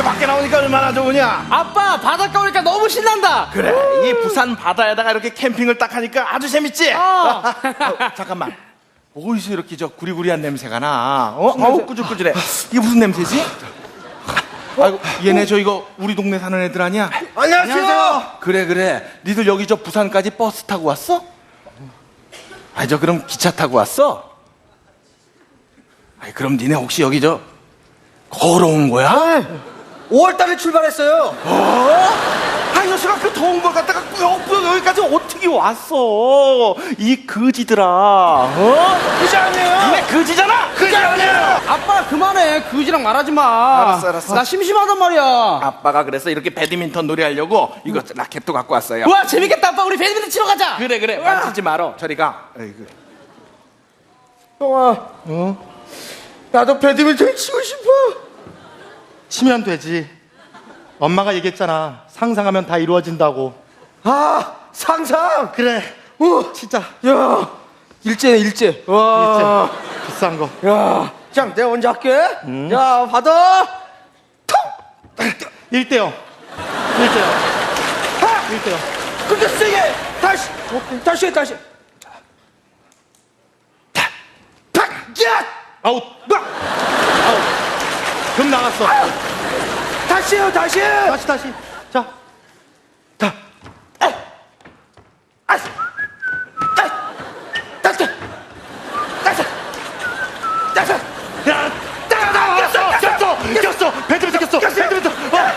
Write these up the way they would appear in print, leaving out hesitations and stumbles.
밖에 나오니까 얼마나 좋으냐. 아빠 바닷가 오니까 너무 신난다. 그래, 이 부산 바다에다가 이렇게 캠핑을 딱 하니까 아주 재밌지. 잠깐만, 어디서 이렇게 저 구리구리한 냄새가 나? 어우 꾸질꾸질해. 이게 무슨 냄새지? 아이고, 얘네 저 이거 우리 동네 사는 애들 아니야? 안녕하세요. 그래, 니들 여기 저 부산까지 버스 타고 왔어? 아니 저 그럼 기차 타고 왔어? 아니 그럼 니네 혹시 여기 저 걸어온 거야? 5월달에 출발했어요. 아, 녀석아, 그 더운 걸 갖다가 꾸역꾸역 여기까지 어떻게 왔어? 이 거지들아, 그지 아니에요? 니네 거지잖아? 그지 아니에요? 아빠 그만해. 그지랑 말하지 마. 알았어. 나 심심하단 말이야. 아빠가 그래서 이렇게 배드민턴 놀이하려고 이거 라켓도 갖고 왔어요. 와 재밌겠다. 아빠 우리 배드민턴 치러 가자. 그래, 만지지 말어. 저리 가. 에이구. 형아, 나도 배드민턴 치고 싶어. 치면 되지. 엄마가 얘기했잖아. 상상하면 다 이루어진다고. 아, 상상. 그래. 진짜. 야, 일제네 일제. 와, 비싼 거. 야, 장 내가 먼저 할게. 야, 받아. 1대0. 1대0. 근데 세게 다시. 탁, 야, 아웃. 아웃. 금 나갔어. 다시요. 다시. 자. 꼈어. 배드민턴 꼈어. 배드민턴.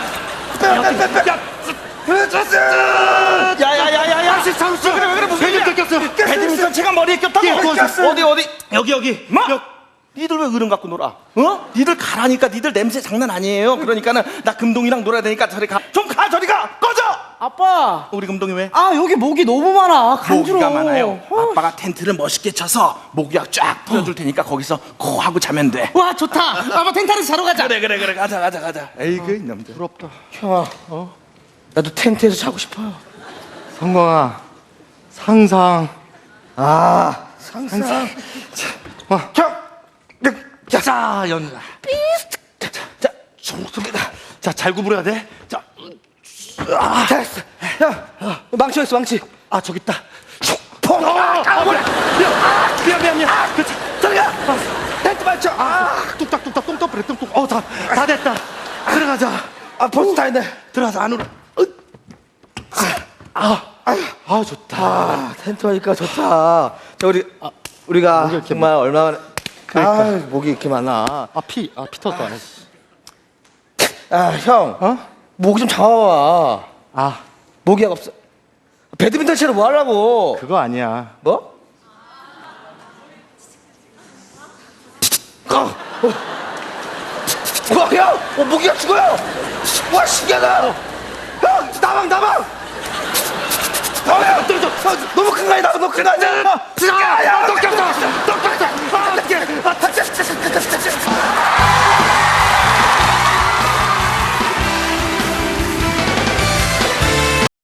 야야야야야, 상수. 그래, 무슨 일이야? 배드민턴 꼈어. 배드민턴 채가 머리에 꼈다고? 어디? 여기. 뭐? 니들 왜 어른 갖고 놀아? 니들 가라니까. 니들 냄새 장난 아니에요. 그러니까는 나 금동이랑 놀아야 되니까 저리 가. 좀 가, 저리 가. 꺼져. 아빠. 우리 금동이 왜? 아 여기 모기 너무 많아. 간지러워. 모기가 많아요. 아빠가 텐트를 멋있게 쳐서 모기약 쫙 뿌려줄 테니까 거기서 코 하고 자면 돼. 와 좋다. 아빠 텐트 안에서 자러 가자. 그래. 가자. 에이그 이놈들. 부럽다. 형아, 나도 텐트에서 자고 싶어요. 성광아. 상상. 상상. 자, 연가. 자, 좋습니다. 자, 잘 구부려야 돼. 자, 됐어. 형, 망치 어딨어, 망치? 아, 저기 있다. 뭐야. 미안. 저리가. 텐트 맞춰. 뚝딱뚝딱 똥떡 똥떡. 다 됐다. 들어가자. 벌써 다 했네. 들어가서 안으로. 좋다. 텐트 하니까 좋다. 자, 우리가 정말 얼마나 그러니까. 목이 이렇게 많아. 피 터졌다. 형. 목 좀 잡아봐. 모기약 없어. 배드민턴 치러 뭐 하려고? 그거 아니야. 뭐? 와, 형! 모기가 죽어요! 와, 신기하다! 형! 나방! 형! 떨어져! 너무 큰 거 아니야? 너무 큰 거 아니야? 야, 너 꼈어!